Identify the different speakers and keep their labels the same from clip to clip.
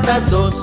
Speaker 1: sa dos.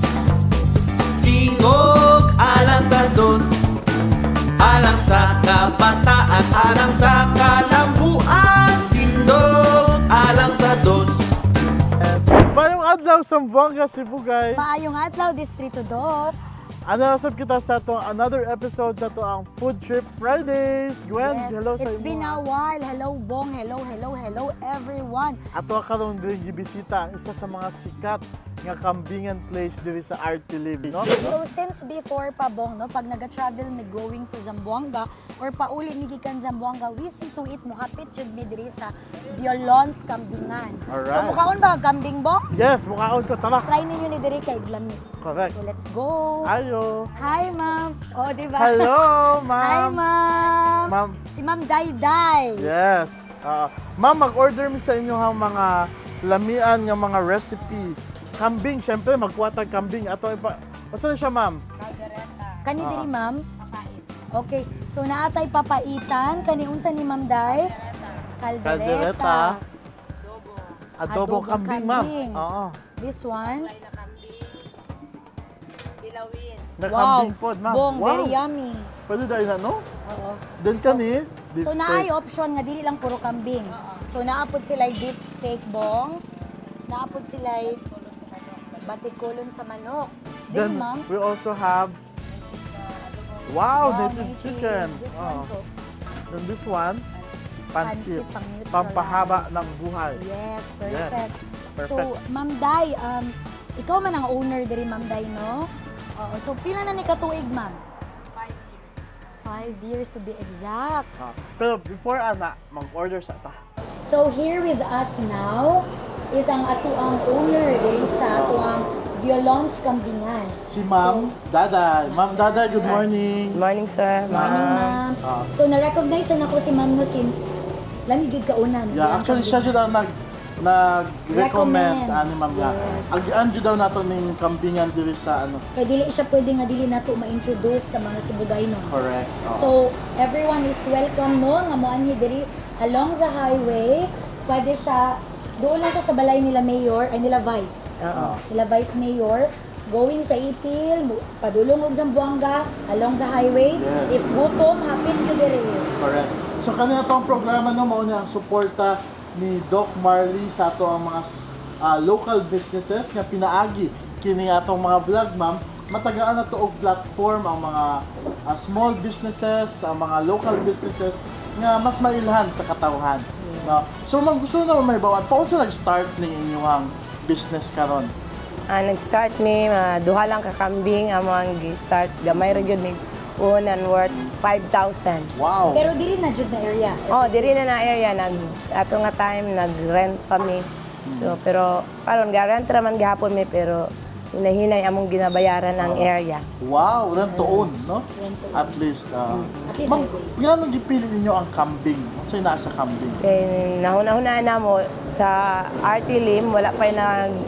Speaker 1: Tingog alang sa dos. Alang sa kabataan, alang sa kalambuan. Tindog alang sa dos.
Speaker 2: Mayong adlaw sa Zamboanga, Cebu, guys.
Speaker 3: Maayong adlaw, Distrito 2.
Speaker 2: Ano nasab kita sa to another episode sa to ang Food Trip Fridays. Gwen,
Speaker 3: Yes,
Speaker 2: hello sa
Speaker 3: it's been a
Speaker 2: imo.
Speaker 3: while. Hello, Bong. Hello, everyone.
Speaker 2: Ato karon diri gibisita ang isa sa mga sikat nga kambingan place diri sa Artilim, no?
Speaker 3: So since before pa, Bong, no, pag nag-travel me going to Zamboanga or pauli mi gikan Zamboanga, we see to it muhapit jud mi diri sa Violons Kambingan. So
Speaker 2: Alright.
Speaker 3: mukhaon ba kambing, Bong?
Speaker 2: Yes, mukhaon ko tara.
Speaker 3: Try ninyo ni diri kay Glami.
Speaker 2: Correct.
Speaker 3: So let's go.
Speaker 2: Ayo.
Speaker 3: Hi, ma'am. Oh, di ba?
Speaker 2: Hello,
Speaker 3: Hi,
Speaker 2: ma'am.
Speaker 3: ma'am.
Speaker 2: Ma'am.
Speaker 3: Si Ma'am Dayday.
Speaker 2: Yes. Ma'am, mag-order mi sa inyo ang mga lamian nga mga recipe. Kambing, syempre magkuwatag kambing ato ipa. Basta na siya, ma'am?
Speaker 3: Kani diri, ma'am? Okay. So naatay papaitan kani unsa ni Ma'am Day?
Speaker 2: Caldereta. Adobo
Speaker 3: Adobong
Speaker 2: kambing, ma'am.
Speaker 3: kambing.
Speaker 2: Oo.
Speaker 3: This one.
Speaker 2: Na
Speaker 3: Wow.
Speaker 2: kambing pod, ma'am.
Speaker 3: Bong,
Speaker 2: Wow.
Speaker 3: very yummy.
Speaker 2: Pwede dahil na, no?
Speaker 3: Oo.
Speaker 2: Then kani, beef
Speaker 3: So
Speaker 2: steak.
Speaker 3: naay option nga dili lang puro kambing. So naapod sila beef steak, Bong. Naapod sila batikulon sa manok.
Speaker 2: Then
Speaker 3: Din, ma'am.
Speaker 2: we also have wow,
Speaker 3: Wow,
Speaker 2: native
Speaker 3: may
Speaker 2: chicken.
Speaker 3: This
Speaker 2: Oh.
Speaker 3: one to.
Speaker 2: Then this one, pansit.
Speaker 3: Pansit, pang-neutralize.
Speaker 2: Pampahaba ng buhay.
Speaker 3: Yes, perfect.
Speaker 2: Perfect.
Speaker 3: So, Ma'am Day, ikaw man ang owner diri, Ma'am Day, no? Oo. So, pila na ni katuig, ma'am? 5 years to be exact.
Speaker 2: Pero before ana, mag-order sa ta.
Speaker 3: So, here with us now is ang atuang owner diri sa atuang Violons Kambingan.
Speaker 2: Si Ma'am Daday. Ma'am Daday, good morning.
Speaker 4: Morning, sir.
Speaker 3: Morning, ma'am. So, na-recognize na ako si ma'am no since lamigid kauna.
Speaker 2: Yeah, actually siya jud ang nag-recommend
Speaker 3: Recommend.
Speaker 2: ani ma'am nga.
Speaker 3: Yes.
Speaker 2: Agian jud daw nato ning kambingan diri sa ano.
Speaker 3: Kaya dili siya pwede nga dili nato ma-introduce sa mga Sibugaynos.
Speaker 2: Correct. Oo.
Speaker 3: So, everyone is welcome, no? Nga mo ani diri along the highway. Pwede siya, doon lang siya sa balay nila Mayor, ay nila Vice.
Speaker 4: Oo.
Speaker 3: Nila Vice Mayor, going sa Ipil, padulong og Zamboanga, along the highway.
Speaker 2: Yes.
Speaker 3: If gutom, hapit yun diri.
Speaker 2: Correct. So kanina tong programa no mao niya ang suporta ni Doc Marley sa ato ang mga local businesses nga pinaagi kini atong mga vlog, ma'am. Matagaan na to og platform ang mga small businesses, ang mga local businesses nga mas mailhan sa katawhan. No? So ma'am, gusto na may bawat paano sa nag-start ning inyong business karon?
Speaker 4: Nag-start ni duha lang ka kambing among gi-start gamay ra gyud ni unan worth 5,000.
Speaker 2: Wow.
Speaker 3: Pero diri na jud na area.
Speaker 4: Oh, diri na area ato nga time nag-rent pa mi. So pero paron ga-rent ra man gihapon mi pero hinahinay among ginabayaran ang area.
Speaker 2: Wow, rent to own, no?
Speaker 3: Rent to own.
Speaker 2: At least.
Speaker 3: At least
Speaker 2: Ma'am,
Speaker 3: I
Speaker 2: gaano gipili ninyo ang kambing? Sa'yo nasa kambing?
Speaker 4: Kay nahuna-hunaan na mo sa Artilim wala pa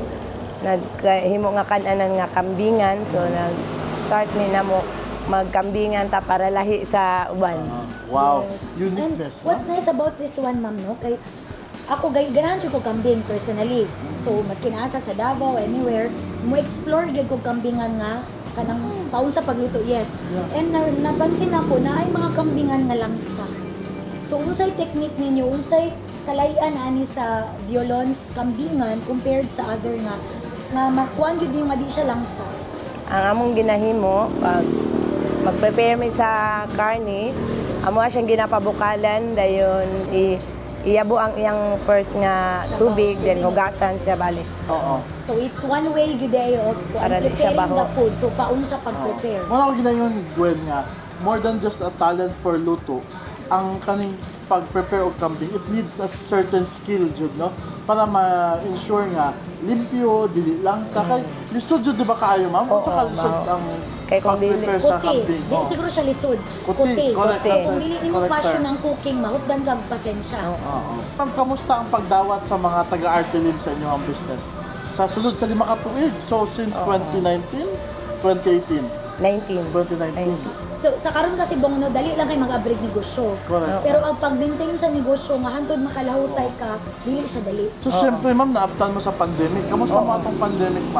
Speaker 4: naghimo nga kananan nga kambingan so nag-start mi na mo magkambingan ta para lahi sa uban.
Speaker 2: Wow,
Speaker 3: Yes.
Speaker 2: uniqueness.
Speaker 3: And what's nice about this one, ma'am, no? Kay ako ganahan jud ko kambing personally. So maski naasa sa Davao anywhere, mo explore gyud ko kambingan nga kanang paun sa pagluto. Yes.
Speaker 2: Yeah.
Speaker 3: And napansin ako na ay mga kambingan nga langsa. So unsay technique ninyo, unsay kalayan ani sa Violons Kambingan compared sa other nga makuan gyud yung nga di siya langsa.
Speaker 4: Ang among ginahimo pag mag-prepare mi sa karne, amo siyang ginapabukalan dayon iyabo ang iyang first nga tubig then hugasan siya balik.
Speaker 2: Oo.
Speaker 3: So it's one way gyud of
Speaker 4: Para di siya
Speaker 3: preparing the
Speaker 4: baho.
Speaker 3: food. So paun sa pag-prepare.
Speaker 2: Wala ko ginayon ni Gwen nga, more than just a talent for luto, ang kaning pag-prepare og kambing, it needs a certain skill jud, no? Para ma-ensure nga limpyo, dili lang sa kay lisod jud di ba kaayo, ma'am?
Speaker 4: Oo,
Speaker 2: Sa kalisod
Speaker 4: ma'am.
Speaker 2: ang
Speaker 4: Kay kung dili-
Speaker 2: pag-prepare sa
Speaker 3: Kuti.
Speaker 2: kambing.
Speaker 3: Di,
Speaker 2: Oo.
Speaker 3: siguro siya lisod.
Speaker 2: Kuti, correct.
Speaker 3: So kung dili nimo
Speaker 2: Correct,
Speaker 3: passion
Speaker 2: sir.
Speaker 3: ng cooking, mahutdan kag pasensya.
Speaker 2: Oo. Ma'am, kamusta ang pagdawat sa mga taga-Artilim sa inyong business? Sa sulod sa 5 ka tuig. So since 2019, 2018,
Speaker 4: 19.
Speaker 2: 2019.
Speaker 3: So sa karon kasi bong no dali lang kay mag-abrig negosyo.
Speaker 2: Correct.
Speaker 3: Pero ang pag-maintain sa negosyo nga hantod makalahutay ka, dili siya dali.
Speaker 2: So, syempre, ma'am, naabtan mo sa pandemic. Kamusta mo atong pandemic, ma'am?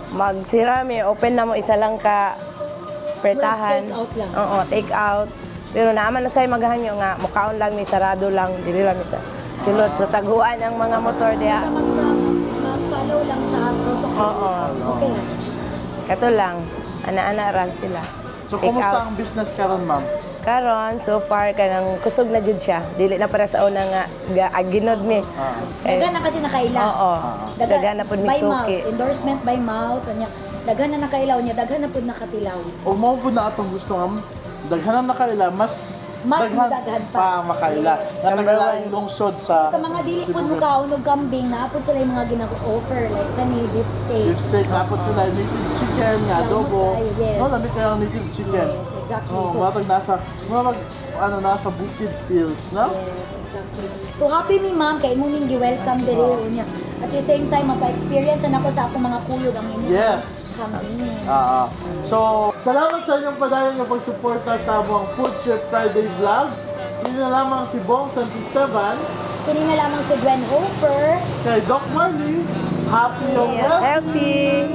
Speaker 4: magsirami, open na mo isa lang ka pertahan.
Speaker 3: Take out lang.
Speaker 4: Oo, take out. Pero naaman na sa'yo maghanyo nga, mukaon lang, may sarado lang, dili lang sa silot sa taguan ang mga motor diha.
Speaker 3: Sa mag-follow lang sa protocol.
Speaker 4: Oo.
Speaker 3: Okay.
Speaker 4: Kato lang, ana-ana ra sila.
Speaker 2: So,
Speaker 4: Take
Speaker 2: kumusta
Speaker 4: out.
Speaker 2: ang business karon, ma'am?
Speaker 4: Karon, so far, kanang kusog na jud siya. Dili na para sa una nga, ginod mi.
Speaker 3: Dagan na kasi nakaila.
Speaker 4: Oo. Dagan na pud
Speaker 3: by mouth.
Speaker 4: migsuki.
Speaker 3: Endorsement by mouth. Kanya, dagan na nakailaw niya. Dagan na pud nakatilaw.
Speaker 2: O mao po na atong gusto nga, daghanan na kaila, mas
Speaker 3: Daghan pa.
Speaker 2: makaila. Nga
Speaker 4: Number
Speaker 2: nagalaing
Speaker 4: one.
Speaker 2: lungsod sa
Speaker 3: Sa mga dili pud mukaon og kambing, naapod sila yung mga ginag-offer. Like kani, beef steak.
Speaker 2: beef steak, napot sila native chicken, nga adobo.
Speaker 3: tayo, yes.
Speaker 2: No, lamig kayo ang native chicken.
Speaker 3: Yes, exactly.
Speaker 2: Oh,
Speaker 3: So,
Speaker 2: nasa boosted fields, no?
Speaker 3: yes, exactly. So happy mi ma'am kay mo ning gi-welcome diri unya. At the same time mapa-experience na ako sa akong mga kuyog ang inyong
Speaker 2: Yes.
Speaker 3: kambing.
Speaker 2: So, salamat sa inyong padayon ng pagsuporta sa among Food Trip Friday vlog. Yun na lamang si Bong Santisteban,
Speaker 3: Kini na lamang si Gwen Hofer.
Speaker 2: kay Doc Marley. Happy yung
Speaker 4: Healthy!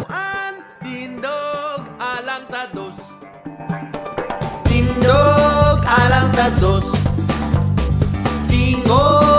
Speaker 1: Tindog alang sa dos. Tindog alang sa dos. Tingog